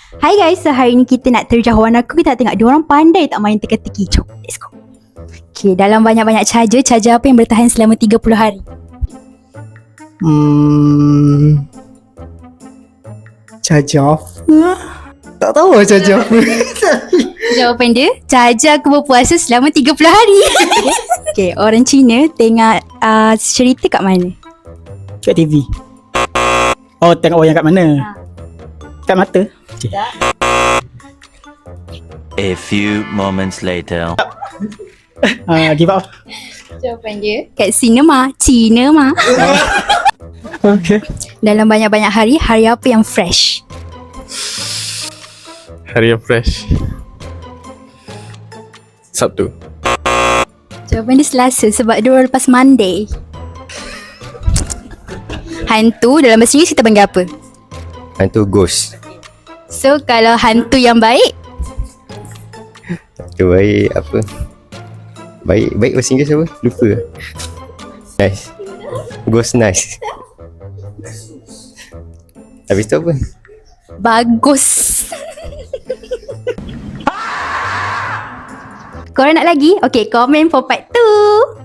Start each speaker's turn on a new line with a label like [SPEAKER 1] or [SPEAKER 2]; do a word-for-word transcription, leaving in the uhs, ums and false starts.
[SPEAKER 1] Hai guys, so hari ni kita nak terjah warna aku. Kita nak tengok diorang pandai tak main teka-teki. Jom, let's go. Okay, dalam banyak-banyak charger, charger apa yang bertahan selama tiga puluh hari?
[SPEAKER 2] Hmm. Charger apa? Tak tahu lah charger apa.
[SPEAKER 1] Jawapan dia, charger aku berpuasa selama tiga puluh hari. Okay, orang Cina tengok uh, cerita kat mana?
[SPEAKER 2] Kat T V. Oh, tengok wayang kat mana?
[SPEAKER 1] Ha.
[SPEAKER 2] Kat mata. Okay.
[SPEAKER 3] A few moments later.
[SPEAKER 2] Uh, give up.
[SPEAKER 1] Jawapan dia, kat cinema. Cinema.
[SPEAKER 2] Okay.
[SPEAKER 1] Dalam banyak-banyak hari, hari apa yang fresh?
[SPEAKER 4] Hari yang fresh. Sabtu.
[SPEAKER 1] Jawapan dia Selasa sebab dia lepas Monday. Hantu dalam bahasa Inggeris kita panggil apa?
[SPEAKER 5] Hantu ghost.
[SPEAKER 1] So kalau hantu yang baik,
[SPEAKER 5] Hantu baik apa? Baik, baik bahasa Inggeris apa? Lupa. Nice. Ghost nice. Habis tu apa?
[SPEAKER 1] bagus. Korang nak lagi? Okay, komen for part two.